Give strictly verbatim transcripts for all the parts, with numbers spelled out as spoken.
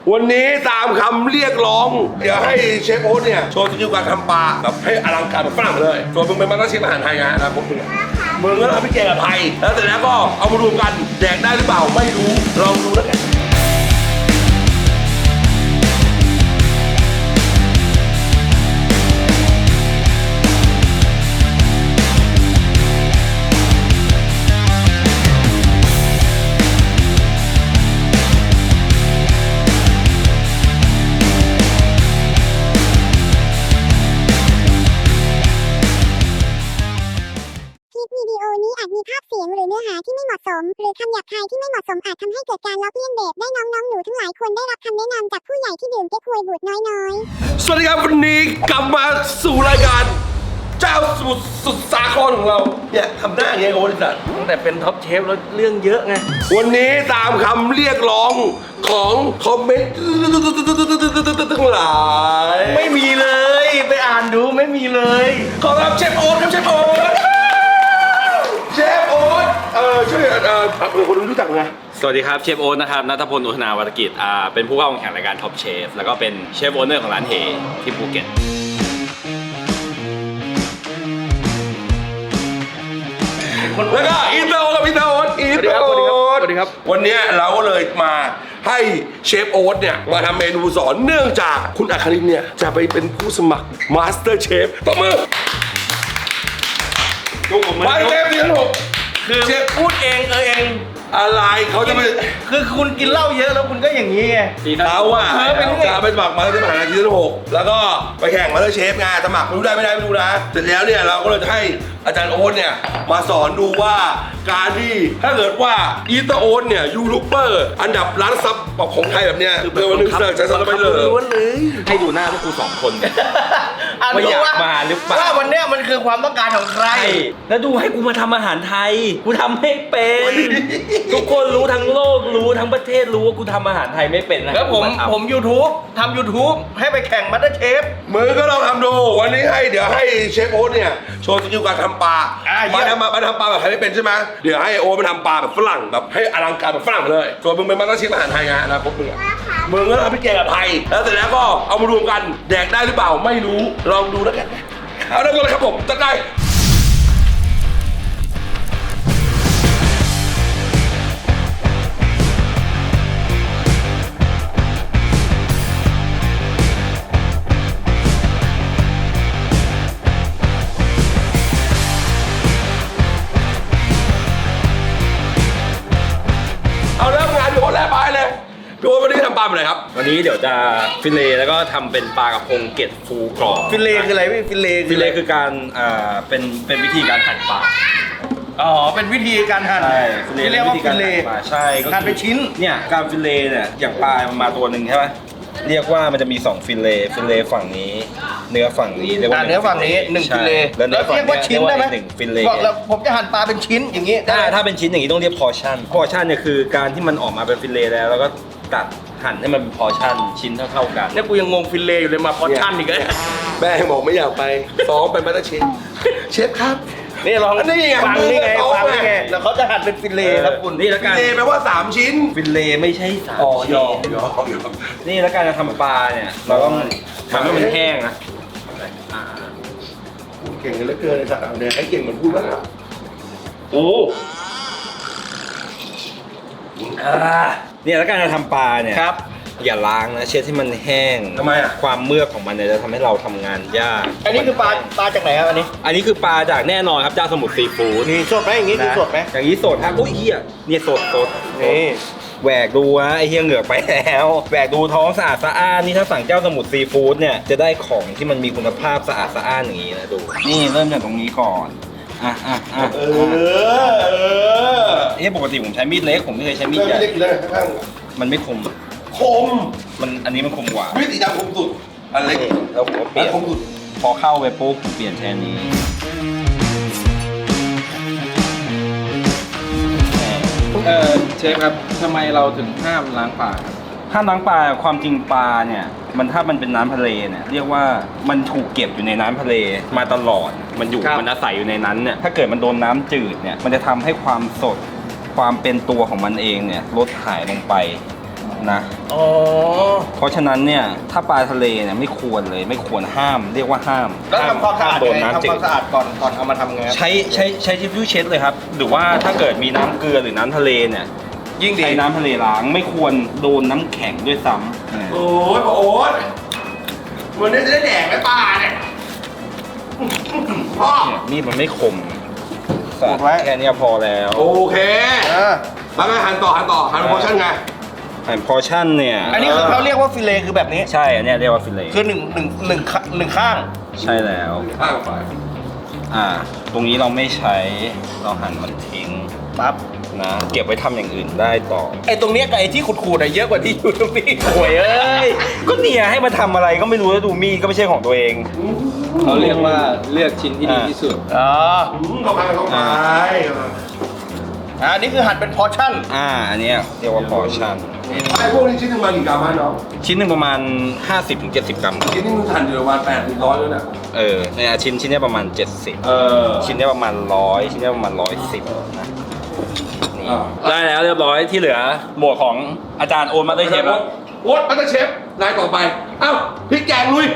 วันนี้ตามคำเรียกร้องเดี๋ยวให้เชฟโอ๊ตเนี่ยโชว์สกิลการทำปลาแบบให้อลังการแบบฝรั่งเลยส่วนมึงเป็นมาสเตอร์เชฟอาหารไทยนะนะพวกมึงมึงก็ทำให้แกงกับไทยแล้วเสร็จแล้วก็เอามารวมกันแดกได้หรือเปล่าไม่รู้ลองดูแล้วกันวิดีโอนี้อาจมีภาพเสียงหรือเนื้อหาที่ไม่เหมาะสมหรือคำหยาบคายที่ไม่เหมาะสมอาจทำให้เกิดการล้อเลียนเด็กได้น้องๆหนูทั้งหลายควรได้รับคำแนะนำจากผู้ใหญ่ที่ดื่มเก๊กฮวยบูดน้อยๆสวัสดีครับวันนี้กลับมาสู่รายการเจ้าสมุทรสุดสาครของเราเนี่ยทำหน้าอย่างเงี้ยโอ้ยสัตว์ตั้งแต่เป็นท็อปเชฟแล้วเรื่องเยอะไงวันนี้ตามคำเรียกร้องของคอมเมนต์ทั้งหลายไม่มีเลยไปอ่านดูไม่มีเลยขอรับเชฟโอ๊ตครับเชฟโอ๊ตเชฟโอ๊ตเออช่วยเออเผื่อคนรู้จักไงสวัสดีครับเชฟโอ๊ตนะครับณัฐพล อุทนาวัฒกิจอ่าเป็นผู้เข้าแข่งขันรายการท็อปเชฟแล้วก็เป็นเชฟโอเนอร์ของร้านเฮที่ภูเก็ตแล้วก็อินเตอร์โอ๊ตกับอินเตอร์โอ๊ตอินเตอร์โอ๊ตสวัสดีครับวันนี้เราก็เลยมาให้เชฟโอ๊ตเนี่ยมาทำเมนูสอนเนื่องจากคุณอัครินเนี่ยจะไปเป็นผู้สมัครมาสเตอร์เชฟต่อมือจุกผมมันไปเชฟที่หกคือเชฟพูดเองเออเองอะไรเขาจะไปคือคุณกินเหล้าเยอะแล้วคุณก็อย่างนี้ไงเขาอะเออเป็นไงจะไปสมัครมาสเตอร์เชฟมหาลัยที่หกแล้วก็ไปแข่งมาสเตอร์เชฟไงสมัครไม่รู้ได้ไม่ได้ไม่รู้นะเสร็จแล้วเนี่ยเราก็เลยจะให้อาจารย์โอ๊ตเนี่ยมาสอนดูว่าการที่ถ้าเกิดว่าอีเตอร์โอ๊ตเนี่ยยูทูบเบอร์อันดับล้านซับของไทยแบบเนี้ยคือเป็นวันหนึงเสิร์ฟใช้ซับไปเลยล้วนเลยให้ดูหน้าพวกกูสองคนว่าอยากมาหรือเปล่าว่าวันเนี้ยมันคือความต้องการของใครแล้วดูให้กูมาทำอาหารไทยกูทำไม่เป็นทุกคนรู้ทั้งโลกรู้ทั้งประเทศรู้ว่ากูทำอาหารไทยไม่เป็นนะแล้วผมผม YouTube ทำ YouTube ให้ไปแข่งมาสเตอร์เชฟมือก็ลองทำดูวันนี้ให้เดี๋ยวให้เชฟโอ๊ตเนี่ยโชว์สกิลการทำปลาอ่ะเยี่มายมทำมามาทำปลาแบบไทยไม่เป็นใช่ไหมเดี๋ยวให้โอ๊ตมาทำปลาแบบฝรั่งแบบให้อลังการแบบฝรั่งเลยส่วนมึงเป็นมาสเตอร์เชฟอาหารไทยไงนะพวกมึงอะมึงก็ทำให้แกงกับไทยแล้วเสร็จแล้วก็เอามารวมกันแดกได้หรือเปล่าไม่รู้ลองดูแล้วกันเอาได้ก็เลยครับผมจัดได้เอาเริ่มงานพี่โอ๊ตแล้วไปเลยพี่โอ๊ตวันนี้ทำปลาอะไรครับวันนี้เดี๋ยวจะฟิเลแล้วก็ทำเป็นปลากระพงเกล็ดฟูกรอบฟิลเลคืออะไรพี่ฟิลเลฟิเลคือการอ่าเป็นเป็นวิธีการหั่นปลาอ๋อเป็นวิธีการหั่นใช่ฟิเลที่เรียกว่าวิธีฟิลเลหั่นปลาใช่ก็คือหั่นเป็นชิ้นเนี่ยการฟิเลเนี่ยอย่างปลามันมาตัวหนึ่งใช่ไหมเรียกว่ามันจะมีสองฟิเลฟิเลฝั่งนี้ เนื้อฝั่งนี้เรียกว่าอ่าเนื้อฝั่งนี้หนึ่งใช่ฟิลเลแล้วเนื้อฝั่งเรียกว่าชิ้นได้ไหมหนึ่งฟิลเลบอกแล้วผมจะหั่นปลาเป็นชิ้นอย่างนี้ได้ถ้าไหมถ้าเป็นชิ้นอย่างนี้ต้องเรียกพอชั่นพอชั่นเนี่ยคือการที่มันออกมาเป็นฟิลเลแล้วแล้วก็ตัดหั่นให้มันเป็นพอชั่นชิ้นเท่าๆกันเนี่ยกูยังงงฟิลเลอยู่เลยมาพอชั่นอีกเลยแม่บอกไม่อยากไปซ้อมเป็นมาสเตอร์เชฟเชฟครับนี่ลองอันนี้ไงฟังนี่ไงมือเขาฟังนี่ไงไงแล้วเขาจะหั่นเป็นฟิลเลครับคุณนี่แล้วกันเจแปลว่าสามชิ้นฟิลเลไม่ใช่สามอ๋อชิ้นยอมยอมยอมนี่แล้วการจะทำปลาเนี่ยเราต้องทำให้มันแห้งนะอ่าเก่งเหลือเกินเลยสัตว์เอาเนี่ยให้เก่งเหมือนพูดบ้างอะโอ้อ่าเนี่ยแล้วการจะทำปลาเนี่ยครับอย่าล้างนะเช็ดให้มันแห้งทำไมอ่ะความเมือกของมันเนี่ยจะทำให้เราทำงานยากอันนี้คือปลาปลาจากไหนครับอันนี้อันนี้คือปลาจากแน่นอนครับเจ้าสมุทรซีฟู้ดนี่สดไหมอย่างนี้คือนะสดไหมอย่างนี้สดครับโอ้ยเฮียเนี่ยสดสดนี่แหวกดูนะไอเฮียเหงือกไปแล้วแหวกดูท้องสะอาดสะอ้านนี่ถ้าสั่งเจ้าสมุทรซีฟู้ดเนี่ยจะได้ของที่มันมีคุณภาพสะอาดสะอ้านอย่างนี้นะดูนี่เริ่มจากตรงนี้ก่อนอ่ะอ่ะอ่ะเออเออเอ้ปกติผมใช้มีดเล็กผมไม่เคยใช้มีดไม่ใหญ่ได้กินเลยข้างมันไม่คมคมมันอันนี้มันคมกว่าวิธีดำคมสุดอันเล็กแล้วผมก็เปลี่ยนคมสุดพอเข้าไปปุ๊บเปลี่ยนแทนนี้เออเชฟครับทำไมเราถึงห้ามล้างปากครับถ้าล้างปลาความจริงปลาเนี่ยมันถ้ามันเป็นน้ำทะเลเนี่ยเรียกว่ามันถูกเก็บอยู่ในน้ำทะเลมาตลอดมันอยู่ครับมันอาศัยอยู่ในนั้นเนี่ยถ้าเกิดมันโดนน้ำจืดเนี่ยมันจะทำให้ความสดความเป็นตัวของมันเองเนี่ยลดหายลงไปนะอ๋อเพราะฉะนั้นเนี่ยถ้าปลาทะเลเนี่ยไม่ควรเลยไม่ควรห้าม เรียกว่าห้ามแล้วทำความสะอาดโดนไงน้ำทำจืควาดมสะอาดก่อนก่อนเอามาทำไงครับใช้ใช้ใช้ทิชชู่เช็ดเลยครับ หรือว่าถ้าเกิดมีน้ำเกลือหรือน้ำทะเลเนี่ยยิ่งดีใช้น้ำทะเลล้างไม่ควรโดนน้ำแข็งด้วยซ้ำโอ้ยพ่อโอ๊ตวันนี้จะได้แดกไหมปลาเนี่ยพ่อเนี่ยมีดมันไม่คมแค่เนี้ยพอแล้วโอเคเออแล้วไงหันต่อหันต่อหันโพชั่นไงแผ่นพอชั่นเนี่ยอันนี้คือเขาเรียกว่าฟิเลคือแบบนี้ใช่อันเนี้ยเรียกว่าฟิเลคือหนึ่งหนึ่งหนึ่งข้าหนึ่งข้างใช่แล้วข้างไปอ่า ตรงนี้เราไม่ใช้เราหั่นมันทิ้งปั๊บนะเก็บไว้ทำอย่างอื่นได้ต่อไอ้ตรงเนี้ยกับไอ้ที่ขูดๆอะเยอะกว่าที่อยู่ตรงนี้โอ้ยเอ้ยก็เนี่ยให้มาทำอะไรก็ไม่รู้แล้วดูมีดก็ไม่ใช่ของตัวเองเขาเรียกว่าเลือกชิ้นที่ดีที่สุดอ๋ออืมเข้าไปเข้าไปอ่าอันนี้คือหั่นเป็นพอร์ชั่นอ่าอันเนี้ยเรียกว่าพอชั่นไอ้พวกนี้ชิ้นหนึ่งมากี่กรัมฮะน้องชิ้นหนึ่งประมาณ ห้าสิบถึงเจ็ดสิบ กรัมชิ้นนี้มึงหั่นอยู่ประมาณแปดถึงร้อยแล้วเนี่ยเออเนี่ยชิ้นชิ้นเนี้ยประมาณ เจ็ดสิบเออชิ้นเนี้ยประมาณร้อยชิ้นเนี้ยประมาณร้อยสิบนะนี่อ่าได้แล้วเรียบร้อยที่เหลือหมวกของอาจารย์โอนมาได้เชฟแล้วโอ๊ตมาสเตอร์เชฟนายต่อไปเอ้าพริกแกงลุย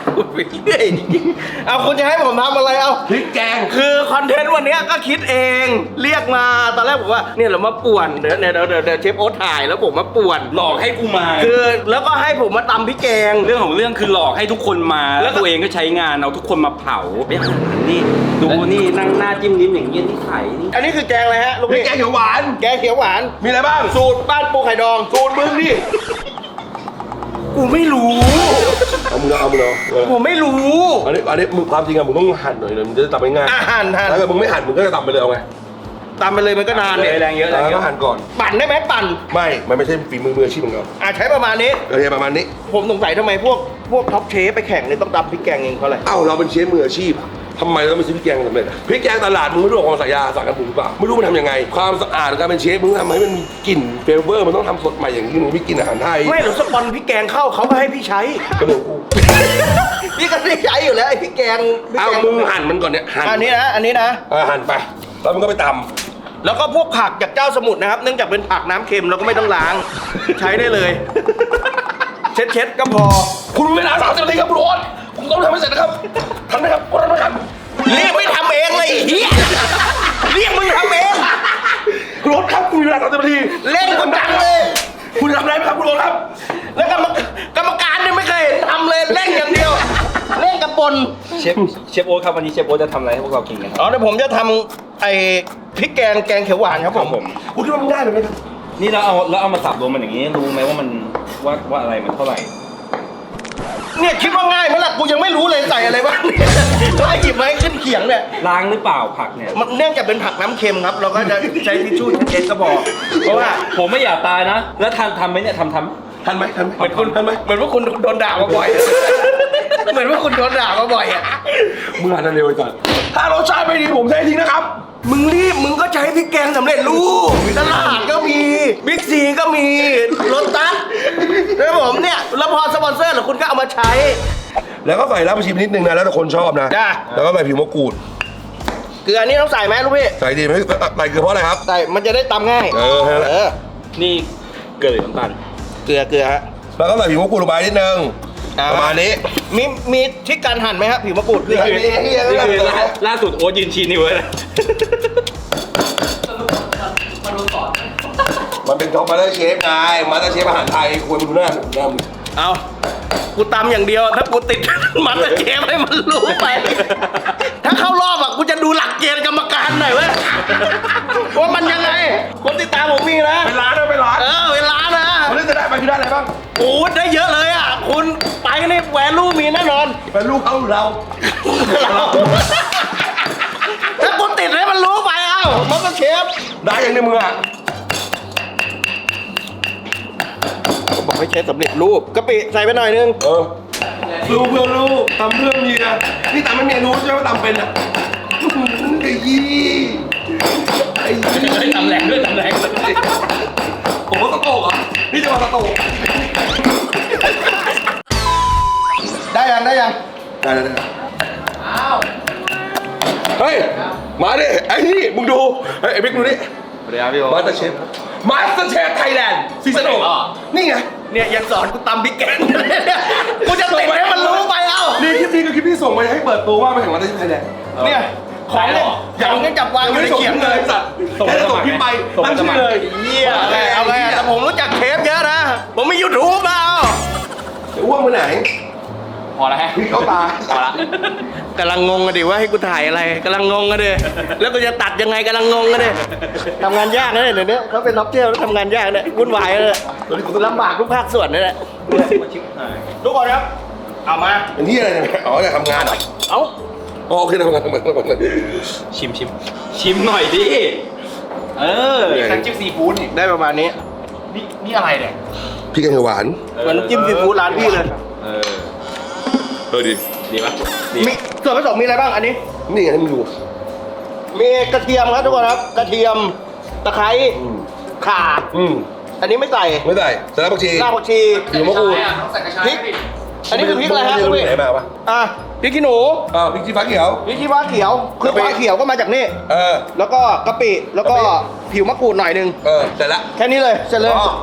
เอาคุณจะให้ผมทำอะไรเอาพริกแกงคือคอนเทนต์วันเนี้ยก็คิดเองเรียกมาตอนแรกผมว่าเนี่ยเรามาป่วนเดี๋ยวเดี๋ยวเดี๋ยวเดี๋ยวเชฟโอ๊ตถ่ายแล้วผมมาป่วนหลอกให้กูมาคือแล้วก็ให้ผมมาตำพริกแกงเรื่องของเรื่องคือหลอกให้ทุกคนมาแล้แล้ว วก็ตัวเองก็ใช้งานเอาทุกคนมาเผาไปหานี่ดูนี่นั่งหน้าจิ้มลิ้มอย่างเงี้ยนี่ไข่นี่อันนี้คือแกงอะไรฮะลูกพริกพี่แกงเขียวหวานแกงเขียวหวานมีอะไรบ้างสูตรบ้านปูไข่ดองสูตรมึงดิกูไม่รู้เอามึงเอาเอามึงเอาเออผมไม่รู้อันนี้อันนี้มึงความจริงอะมึงต้องหั่นหน่อยเลยมึงจะได้ตำง่ายอาหารทานถ้าเกิดมึงไม่หั่นมึงก็จะตำไปเลยเอาไงตามไปเลยมันก็นานเนี่ยแรงเยอะแรงเยก็อะหั่นก่อนปั่นได้ไหมปั่นไม่ มันไม่ใช่ฝีมือมืออาชีพของเราอ่ะใช้ประมาณนี้โอเคประมาณนี้ผมสงสัยทำไมพวกพวกท็อปเชฟไปแข่งเนี่ยต้องตำพริกแกงเองเพราะอะไรเอ้าเราเป็นเชฟมืออาชีพทำไมเราต้องไปซื้อพริกแกงสำเร็จอะพริกแกงตลาดมึงไม่รู้หรอกความสายาสั่งกันปรุงหรือเปล่าไม่รู้มันทำยังไง ความสะอาดการเป็นเชฟมึงทำให้มันมีกลิ่นเฟเวอร์มันต้องทำสดใหม่อย่างนี้มึงไม่กินอาหารไทยไม่หรอกสปอนพริกแกงเข้าเขาก็ให้พี่ใช้ก็เรื่องกูพี่ก็ได้ใช้อยู่แล้วไอ้พริกแกงพริกเอาแกงมึงหั่นมันก่อนเนี่ยหั่นอันนี้นะอันนี้นะเออหั่นไปแล้วมึงก็ไปตแล้วก็พวกผักจากเจ้าสมุทรนะครับ เนื่องจากเป็นผักน้ำเค็มเราก็ไม่ต้องล้าง ใช้ได้เลย เช็ดเช็ดๆก็พอำคุณเวลาสามสิบนาทีครับคุณโอ๊ตคุณต้องทำให้เสร็จนะครับทำนะครับคุณทำนะครับเรียกไม่ทำเองเลยไอ้เฮียเรียกมึงทำเองคุณโอ๊ตครับคุณมีเวลาสามสิบนาทีเล่นคนดังเลยคุณทำอะไรไหมครับคุณโอ๊ตครับแล้วกรรมกรรมการเนี่ยไม่เคยเห็นทำเลยเล่นอย่างเดียว เล่นกับปนเชฟเชฟโอ๊ตครับวันนี้เชฟโอ๊ตจะทำอะไรให้พวกเรากินกันครับอ๋อเดี๋ยวผมจะทำไอ้พริกแกงแกงเขียวหวานครับผมคุณคิดว่ามึงได้ไหมครับนี่เราเอาเราเอามาสับรวมมันอย่างนี้รู้ไหมว่ามันว่าว่าอะไรมันเท่าไหร่เนี่ยคิดว่าง่ายไหมล่ะกูยังไม่รู้เลยใส่อะไรบ้างเนี่ยแล้วไอ้หยิบมาให้ขึ้นเขียงเนี่ยล้างหรือเปล่าผักเนี่ยมันเนื่องจากเป็นผักน้ำเค็มครับ เราก็จะใช้ทิชชู่เช็ดก็พอเพราะว่าผมไม่อยากตายนะ แล้วทำทำไหมเนี่ยทำทำทันไหมทันไหมเหมือนคุณทันไหมเหมือนว่าคุณโดนด่ามาบ่อย เหมือนว่าคุณโดนด่ามาบ่อยอ่ะมึงหันเร็วไปก่อน ถ้ารสชาติไม่ดีผมใช้ทิ้งนะครับมึงรีบมึงก็ใช้พริกแกงสำเร็จรูปตลาดก็มีบิ๊กซีก็มีรถตัสแล้วผมเนี่ยแล้วพอสปอนเซอร์หรือคุณก็เอามาใช้แล้วก็ใส่รากผักชีไปนิดนึงนะ แล้วแต่คนชอบนะจ้ะแล้วก็ใส่ผิวมะกรูดเกลือนี่ต้องใส่ไหมลูกพี่ใส่ดีไหมใส่เกลือเพราะอะไรครับใส่มันจะได้ตำง่ายเออแค่นั้นแหละเออนี่เกลือหรือน้ำตาลเกลือเกลือฮะแล้วก็ใส่ผิวมะกรูดลงไปนิดนึงอ่าประมาณนี้มีมีที่การหั่นไหมครับผิวมะกรูดนี่คือนี่คือล่าล่าสุดโอ๊ตยืนชี้นิ้วเลยนะมันเป็นท็อปมาสเตอร์เชฟไงมาสเตอร์เชฟอาหารไทยควรมาดูหน้าหน้ามึงเอากูตำอย่างเดียวถ้ากูติด มันจะเชฟให้มันรู้ไป ถ้าเข้ารอบอ่ะกูจะดูหลักเกณฑ์กรรมการหน่อยเว้ยว่ามันยังไงคนติดตามผมมีนะเป็นร้านนะเป็นร้านเออเวลานะวันนี้จะได้ไปคือได้อะไรบ้างโอ้ได้เยอะเลยอ่ะ คุณไปนี่แหวนลูมีแน่นอนเป็นลูกเขาเราถ้าคุณติดให้มันรู้ไปเอ้ามันก็เชฟได้ยังในมืออ่ะผมบอกให้ใช้สำเร็จรูปกะปิใส่ไปหน่อยนึงเออลูกเพื่อนลูกตำเพื่อนเมียนี่ตำไม่เมียรู้ใช่ไหมว่าตำเป็นอ่ะไอ้ยี่ไอ้ยี่ทำแรงด้วยทำแรงด้วยผมว่าตะโตกอ่ะนี่จะมาตะโตกได้ยังได้ยังได้ได้ได้เฮ้ย มาดิ ไอ้นี่ มึงดู เฮ้ยไอ้บิ๊กดูนี่สวัสดีครับพี่โอ๊มาตสเตอร์เชฟมาสเตอร์เชฟไทยแลนด์ซีซั่นหกนี่ไงเนี่ยยังสอนกูตำพริกแกงเนี่ยกูจะติดให้มันรู้ไปเอ้านี่คลิปนี้คือคลิปที่ส่งไปให้เปิดตัวว่ามาแข่งมาสเตอร์เชฟไทยแลนด์เนี่ยของเนี่ยอย่างนี้จับวางอยู่ในส่งเขียงเลเลย ยสัตว์แค่ส่งคลิปไปตั้งชื่อเลยเยี่ยไงเอาไงแต่ผมรู้จักเชฟเยอะนะ ผมมียูทูบแล้วจะอ้วกไปไหนพอแล้วฮะพี่เข้าตาพอละกำลังงงกันดิว่าให้กูถ่ายอะไรกำลังงงกันดิแล้วกูจะตัดยังไงกำลังงงกันดิทำงานยากนะเนี่ยเดี๋ยวนี้เขาเป็นนักเที่ยวแล้วทำงานยากเนี่ยวุ่นวายเลยลำบากทุกภาคส่วนนี่แหละทุกคนครับเอามาเป็นที่อะไรเนี่ยอ๋อจะทำงานเหรอเอาอ๋อโอเคทำงานทำงานทำงานชิมชิมชิมหน่อยดิ เออน้ำจิ้มซีฟู้ดนี่ได้ประมาณนี้นี่นี่อะไรเนี่ยพี่แกงเขียวหวานเหมือนน้ำจิ้มซีฟู้ดร้านพี่เลยเออเออดีดีปะดีมีส่วนผสมมีอะไรบ้างอันนี้นี่ไงให้มึงดูมีกระเทียมครับทุกคนครับกระเทียมตะไคร้อืมข่าอืมอันนี้ไม่ใส่ไม่ได้สารพัดชีรากผักชีผิวมะกรูดต้องใส่กระชายพริก อันนี้คือพริกอะไรฮะมึคุณงพี่ไหนมาปะอ่ะพริกขี้หนูอ้าวพริกชี้ฟ้าเขียวพริกขี้ฟ้าเขียวคือกะปิฟ้าเขียวก็มาจากนี่เออแล้วก็กะปิแล้วก็กะปิผิวมะกรูดหน่อยหนึงเออเสร็จละแค่นี้เลยเสร็จเลยอ๋อ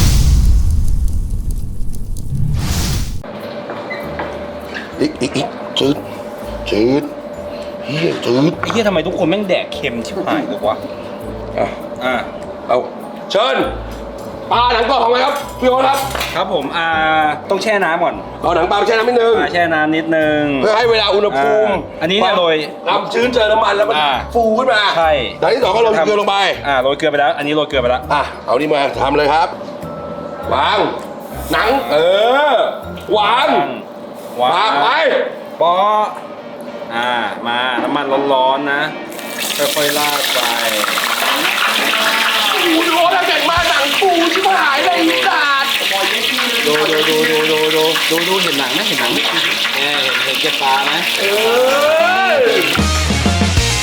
อีกอีกอีกจืดจืดเฮียจืดไอ้เหี้ยทำไมทุกคนแม่งแดกเค็มชิบหายเลยวะอ่ะอ่าเอาเชิญปลาหนังกรอบของอะไรครับพี่โอ๊ตครับครับผม อ่า ต้องแช่น้ำก่อนเอาหนังปลาไปแช่น้ำนิดนึงอ่าแช่น้ำนิดนึงเพื่อให้เวลาอุณหภูมิอ่าอันนี้เนี่ยโรยน้ำชื้นเจอน้ำมันแล้วมันอ่าฟูขึ้นมาใช่อย่างที่สองก็ลงเกลือลงไปอ่าโรยเกลือไปแล้ว อันนี้โรยเกลือไปแล้วอ่ะ เอานี่มาทำเลยครับ วาง หนัง เออ วางวางวางไปปออ่า มา น้ำมันร้อนๆนะ ค่อยๆลาดไปโอ้โหดูแล้วเก่งมากหนังฟูชิบหายเลยอีสัตว์ดูดูดูดูดูดูดูดูเห็นหนังไหมเห็นหนังไหมเออเห็นเห็นเก็บปลาไหมเออ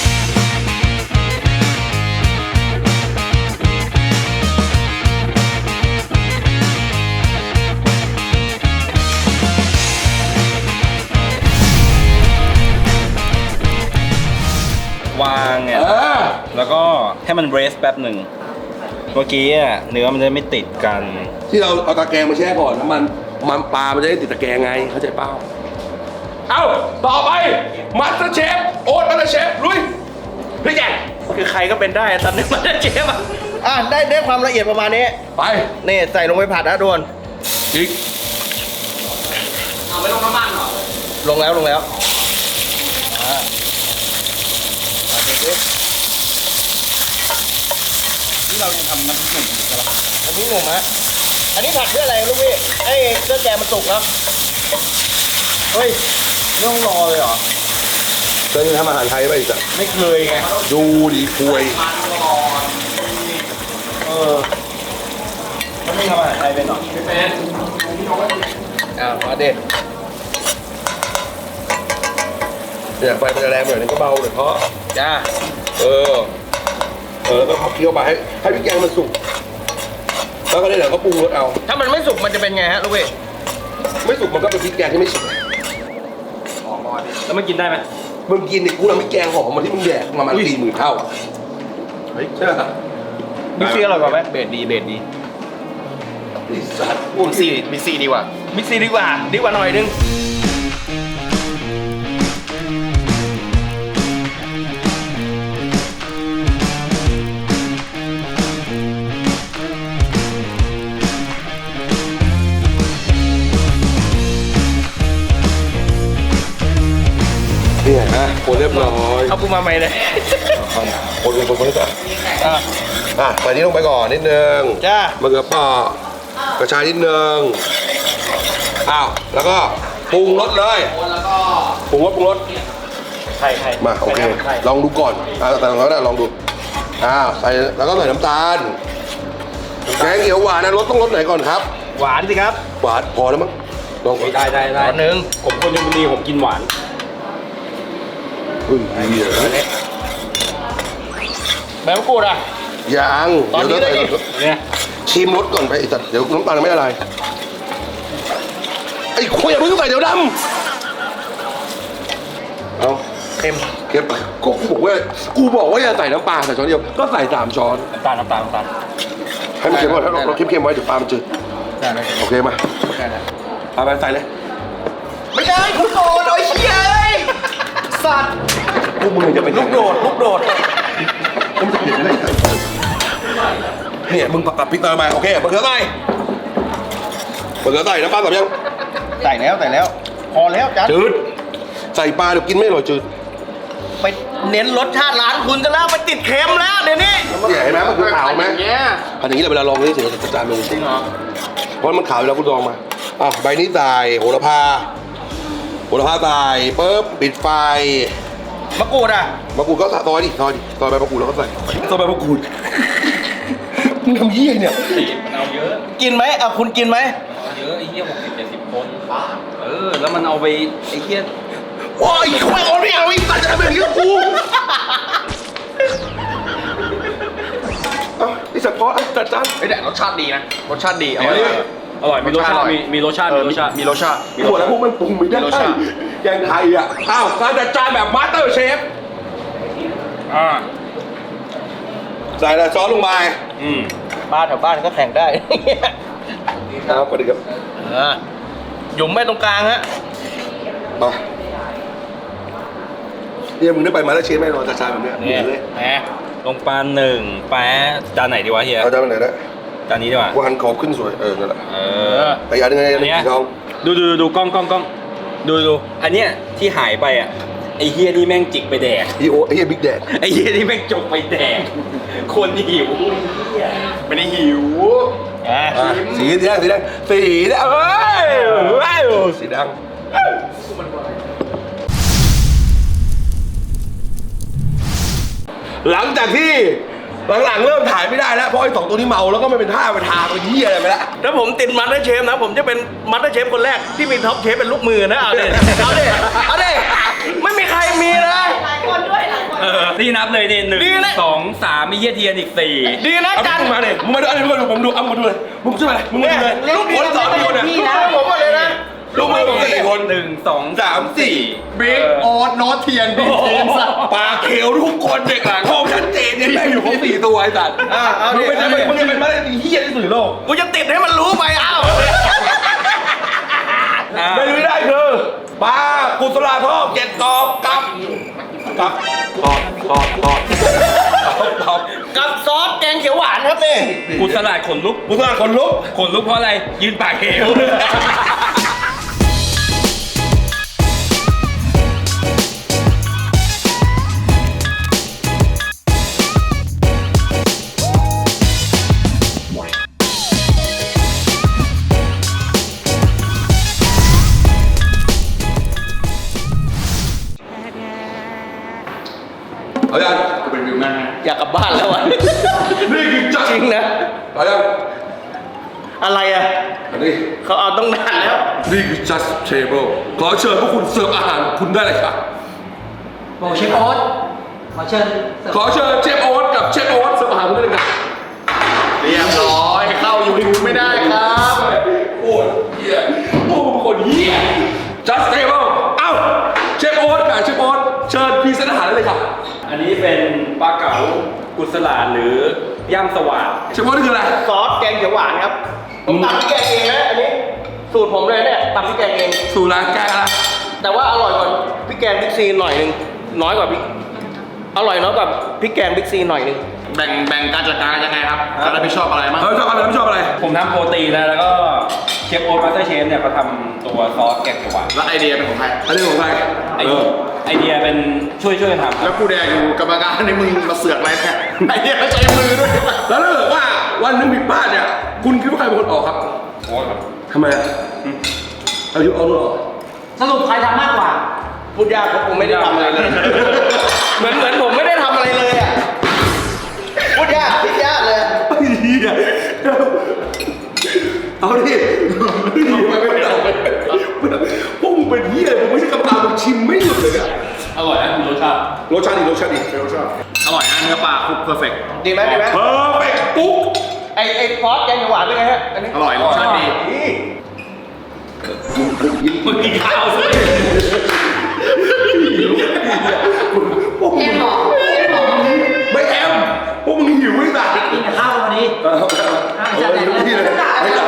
วางเนี่ยเออแล้วก็ให้มันเรสแป๊บหนึ่ง เมื่อกี้อ่ะเนื้อมันจะไม่ติดกันที่เราเอาตะแกรงมาแช่ก่อนน้ำมันมันปลา มันจะได้ติดตะแกรงไง เข้าใจเปล่า เอ้า ต่อไปมาสเตอร์เชฟ โอ๊ตมาสเตอร์เชฟ ลุย พี่แกงคือใครก็เป็นได้ตอนนี้มันจะเชฟอ่ะอ่ะได้ได้ความละเอียดประมาณนี้ไปนี่ใส่ลงไปผัดนะทุกคนอีกเอาไม่ลงน้ำมันเหรอลงแล้วลงแล้วที่เรายังทำน้ำพริกหนุ่มอยู่ใช่ปะอันนี้หนุ่มฮะอันนี้ผัดเพื่ออะไรลูกพี่ไอ้เครื่องแกงมันสุกแล้วเฮ้ยไม่ต้องรอเลยเหรอเคยทำอาหารไทยป่ะอีกสักไม่เคยไงดูดีคุยเออแล้วไม่ทำอาหารไทยเป็นหรออ่ามาเด็ดเนี่ยไฟมันจะแรงหน่อยนึงก็เบาหน่อยเพราะจ้าเออ เออ แล้วก็เคี่ยวไปให้ให้พริกแกงมันสุก แล้วก็ได้เดี๋ยวก็ปรุงรสเอาถ้ามันไม่สุกมันจะเป็นไงฮะลูกพี่ไม่สุกมันก็เป็นพริกแกงที่ไม่สุกแล้วมันกินได้ไหมมึงกินเนี่ยกูทำพริกแกงหอมมันที่มึงแดกมามันสี่หมื่นเท่าอะเฮ้ยใช่ไหมมิกซี่อร่อยกว่าไหมเบสดีเบสดีไอ้สัตว์มิกซี่มิกซี่ดีกว่ามิกซี่ดีกว่าดีกว่าหน่อยนึงเนี่ยฮะคนเรียบร้อยเอากูมาใหม่เลยคนคนคนคนนี้ก่อนอ่ะอ่ะใส่นี้ลงไปก่อนนิดนึงจ้ามะเขือเปราะกระชายนิดนึงอ้าวแล้วก็ปรุงรสเลยปรุงรสปรุงรสไข่ไข่มาโอเคไข่ลองดูก่อนอ่าแต่เราได้ลองดูอ้าวใส่แล้วก็ใส่น้ำตาลแกงเขียวหวานนะรสต้องรสไหนก่อนครับหวานสิครับหวานพอแล้วมั้งลองก่อนได้ได้หได้วานหนึ่งผมคนชลบุรีผมกินหวานเฮ้ยดีเลยแบมะกรูดอ่ะยังตอนนี้เดี๋ยวเลยใส่เนี่ยชิมรสก่อนไปไอ้สัตว์เดี๋ยวน้ำตาลไม่ละลายไอ้คุยอย่าเพิ่งใส่เดี๋ยวดำเอาเค็มเก็บก็กูบอกว่ากูบอกว่าอย่าใส่น้ำปลาใส่ช้อนเดียวก็ใส่สามช้อนน้ำตาลน้ำตาลน้ำตาลให้มันเค็มก่อนถ้าเราเราเค็มๆไว้เดี๋ยวปลามันจืดได้ไหมโอเคมาได้ได้ปลาไปใส่เลยไม่ได้กูโดดโอ้ยเชี่ยเอ้ยสัตว์พวกมึงจะเป็นลูกโดดลูกโดดผมจะเห็นเลยเนี่ยมึงปักกับพริกเติมมาโอเคมะเขือใส่มะเขือใส่น้ำปลาสับยังใส่แล้วใส่แล้ว พอแล้วจัดจืดใส่ปลาเดี๋ยวกินไม่อร่อยจืดไปเน้นรสชาติร้านคุณจะแล้วไปติดเค็มแล้วเดี๋ยวนี้เนี่ยเห็นไหมมันคือขาวไหมเนี่ยอันอย่างนี้เราเวลาลองนี่ถึงจะจานลงจริงเหรอเพราะมันขาวอยู่แล้วคุณลองมาอ่ะใบนี้ใส่โหระพาโหระพาใส่ปุ๊บปิดไฟมะกรูดอ่ะมะกรูดก็ซอยดิซอยดิซอยใบมะกรูดแล้วก็ใส่ซอยใบมะกรูดมึงทำเยี่ยเนี่ยตีมันเอาเยอะกินไหมเอาคุณกินไหมเอาเยอะไอ้เหี้ยหกสิบเจ็ดสิบคนเออแล้วมันเอาไปไอ้เหี้ยโอ้ยควายอ่อนไม่เอาอีกตัดจะทำแบบนี้กับกูเอ้าไอ้สัตว์เพาะจัดจานไม่ได้รสชาติดีนะรสชาติดีอร่อยอร่อยมีรสชาติมีมีรสชาติมีรสชาติมีรสชาติมีหัวแล้วพวกมันปรุงไม่ได้มีรสชาติแกงไทยอ่ะอ้าวการจัดจานแบบมาสเตอร์เชฟอ่าใส่อะไรซอสลงไปอืมบ้านแถวบ้านก็แข่งได้ครับสวัสดีครับเออหยุมไม่ตรงกลางฮะมาเนี่ยมึงได้ไปมาแล้วเชฟแน่นอนจัดจานแบบเนี้ยเนี่ยเลยแหมลงปลาหนึ่งแป๊ะจานไหนดีวะเฮียเอาจานไปไหนนะจานนี้ดีกว่ากูหันขอบขึ้นสวยเออนั่นแหละเอเอออแต่อย่างหนึงไงอันเนี้ยสีทองดูดูดูดูกล้องกล้องกล้องดูดูอันเนี้ยที่หายไปอ่ะไอ้เฮียนี่แม่งจิกไปแดกอีโอไอ้เหี้ยบิ๊กแดดไอ้เฮียนี่แม่งจกไปแดกคนหิวไม่ได้หิวอ่ะอ่ะสีสีแดงสีแดงสีแดงเอ้ยเอ้ยสีแดงหลังจากที่หลังๆเริ่มถ่ายไม่ได้แล้วเพราะไอ้สองตัวนี้เมาแล้วก็ไม่เป็นท่าไปทางไปเหี้ยอะไรไปแล้วถ้าผมติดมัตเตอร์เชฟนะผมจะเป็นมัตเตอร์เชฟคนแรกที่มีท็อปเชฟเป็นลูกมือนะเอาเด็เอาเด็เอาเด็ไม่มีใครมีเลยเออที่นับเลยนี่หนึ่งดีนะสองสามมีเฮียเทียนอีกสี่ดีนะเอาจันมึงมาเนี่ยมึงมาดูอันนี้มึงมาดูผมดูเอามาดูเลยมึงช่วยอะไรมึงมาดูเลยลูกคนสองคนเนี่ยพี่นะผมว่าเลยนะลูกมือผมสี่คนหนึ่งสองสามสี่บิ๊กโอ๊ตโน้ตเทียนบิ๊กเทียนสัตว์ปลาเขียวทุกคนเด็กหลังห้องชัดเจนเนี่ยแม่งอยู่ครบสี่ตัวไอ้สัตว์อ่ะเอามึดิงเป็นมึงเป็นมาได้ดีเฮี้ยที่สุดในโลกกูจะติดให้มันรู้ไปเอ้าอ่ะไม่รู้ได้คือปลากุศลาทองเจ็ดกอบกับกับกอบกอบกอบกอบกับซอสแกงเขียวหวานครับนี่กูสลายขนลุกกุศลาคนลุกขนลุกเพราะอะไร ยืนปากเหวเอาอย่างเป็นวิวหน้าอยากกลับบ้านแล้วอ่ะนี่คือจัดจริงนะเอาอย่างอะไรอ่ะอันนี้เขาเอาต้องนานแล้วนี่คือ just table ขอเชิญพวกคุณเสิร์ฟอาหารคุณได้เลยครับบอกเชฟโอ๊ตขอเชิญเสิร์ฟขอเชิญเชฟโอ๊ตกับเชฟโอ๊ตเสิร์ฟอาหารคุณได้เลยครับเรียบร้อยเข้ายูทูบไม่ได้ครับโอ้ยเหี้ยโอ้เป็นคนเหี้ย just table เอ้าเชฟโอ๊ตกับเชฟโอ๊ตเชิญพรีเซนต์อาหารได้เลยครับอันนี้เป็นปลาเก๋ากุศลาหรือย่างสว่างเชฟโอ๊ตนี่คืออะไรซอสแกงเขียวหวานครับ ผมตำพริกแกงเองนะอันนี้ สูตรผมเลยเนี่ยตำพริกแกงเองสูตรร้านแกงอะไรแต่ว่าอร่อยกว่าพริกแกงบิ๊กซีหน่อยหนึงน้อยกว่าพริกอร่อยน้อยกว่าพริกแกงบิ๊กซีหน่อยหนึงแบ่งแบ่งการจัดการยังไงครับการรับผิดชอบอะไรมั้งเออชอบอะไรไม่ชอบอะไรผมทำโปรตีนนะแล้วก็เชฟโอ๊ตมาสเตอร์เชฟเนี่ยเขาทำตัวซอสแกงเขียวหวานแล้วไอเดียเป็นของใครอันนี้ของใครไอเออไอเดียเป็นช่วยช่วยกันทำแล้วกูแดงอยู่กรรมการในมึงมาเสือกอะไรเนี่ยไอเดียใช้มือด้วยแล้วถ้าเกิดว่าวันหนึงผิดพลาดเนี่ยคุณคิดว่าใครเป็นคนออกครับโอ๊ตครับทำไมอ่ะเอายุเอาลูกออกสรุปใครทำมากกว่าพูดยากเพราะผมไม่ได้ทำอะไรเลย เหมือนเหมือนผมไม่ได้ทำอะไรเลยอ่ะพูดยากคิดยากเลยเหี้ยเอาดิไม่ไม่เอาพวกมึงเป็นเหี้ยผมไม่ใช่กรรมการมึงชิมไม่หยุดเลยอ่ะอร่อยนะคุณรสชาติรสชาติดีรสชาติดีรสชาติอร่อยนะเนื้อปลาคลุกเพอร์เฟกต์ดีไหมดีไหมเพอร์เฟกต์ปุ๊กไอไอซอสแกงเขียวหวานเป็นไงฮะอันนี้อร่อยรสชาติดีมึงกินข้าวสิพวกมึงเอ็มบอกเอ็มบอกไม่แอมพวกมึงหิวไม่ต่างกินกับข้าววันนี้ดิเอาอ่ะเอาจัดไปเลยที่เลยไม่จัด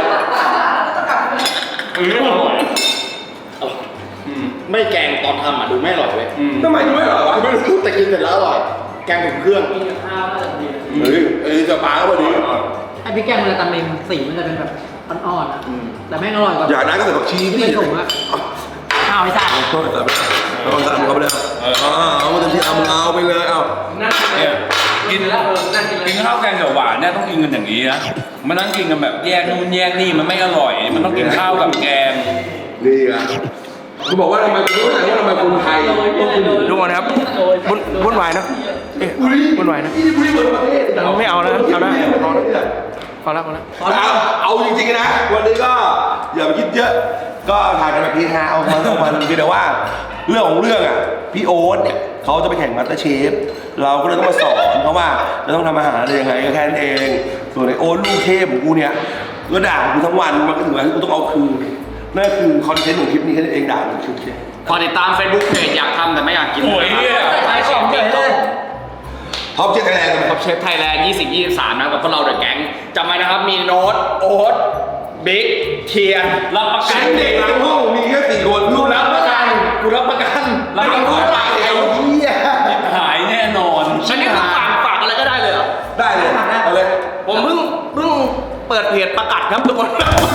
ไม่แกงตอนทำอ่ะดูไม่อร่อยเว้ยทำไมไม่อร่อยวะไม่รู้แต่กินเสร็จแล้วอร่อย แกงถึงเครื่องกินกับข้าวน่าจะดีเฮ้ยเอ้ยจะปลาก็พอดีไอ้พริกแกงมันจะตำเองสีมันจะเป็นแบบอ่อนๆอะแต่แม่งอร่อยกว่าอยากได้ก็ใส่ผักชีที่ที่เป็นถุงอะข้าวไอ้สัตว์เอาใส่ไปเอาใส่เข้าไปเลยเอาเอามาเต็มที่เอามึงเอาไปเลยเอาเนี่ยกินกินข้าวแกงเขียวหวานเนี่ยต้องกินกันอย่างนี้นะมันต้องกินกันแบบแยกนู่นแยกนี่มันไม่อร่อย มันต้องกินข้าวกับแกงนี่ไงคุณบอกว่าทำไมคุณรู้ไหมว่าทำไมคนไทยต้องกินดูก่อนนะครับวุ่นวุ่นวายนะเอ๊ะวุ่นวายนะนี่บุรีเปิดประเทศไม่เอานะเอานะพอแล้วพอแล้วพอแล้วเอาเอาจริงๆนะ วันนี้ก็อย่าไปคิดเยอะ ก็ถ่ายกันแบบพีฮาเอามันเอามันเพียงแต่ว่าเรื่องของเรื่องอ่ะพี่โอ๊ตเนี่ยเขาจะไปแข่งมาสเตอร์เชฟเราก็เลยต้องมาสอนเขาว่าจะต้องทำอาหารอะไรยังไงก็แค่นั้นเองส่วนไอโอ๊ตลูกเทพของกูเนี่ยก็ด่ากูทั้งวันมันก็ถึงเวลาที่กูต้องเอาคืนนั่นคือคอนเทนต์ของคลิปนี้แค่นั้นเองด่ามันคือแค่พอติดตาม Facebook เพจอยากทำแต่ไม่อยากกินโอ้ยเนี่ยขายของเฉยเลยท็อปเจ็ดคะแนนท็อปเชฟไทยแลนด์ยี่สิบ ยี่สิบสามนะกับพวกเราเดอะแก๊งจำไว้นะครับมีโน้ตโอ๊ตบิ๊กเทียนรับประกัฉันนเด็กหลังห้องมีแค่สี่คนกูรับประกันกูรับประกันรับประกันไอ้เหี้ยหายแน่นอนฉันนี่คือฝากฝากอะไรก็ได้เลยเหรอได้เลยเอาเลยผมเพิ่งเพิ่งเปิดเพจประกาศครับทุกคน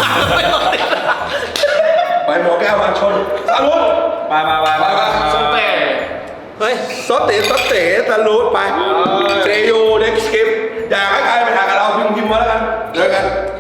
ไปหมอแก้วมาชนสารุตไปไปไปไปไปสเปรย์เฮ้ยซอสเต๋ซอสเต๋สารุตไปเซยูเน็กสกิปอยากให้ใครไปถ่ายกับเราพิมพ์พิมพ์มาแล้วกันเจอกัน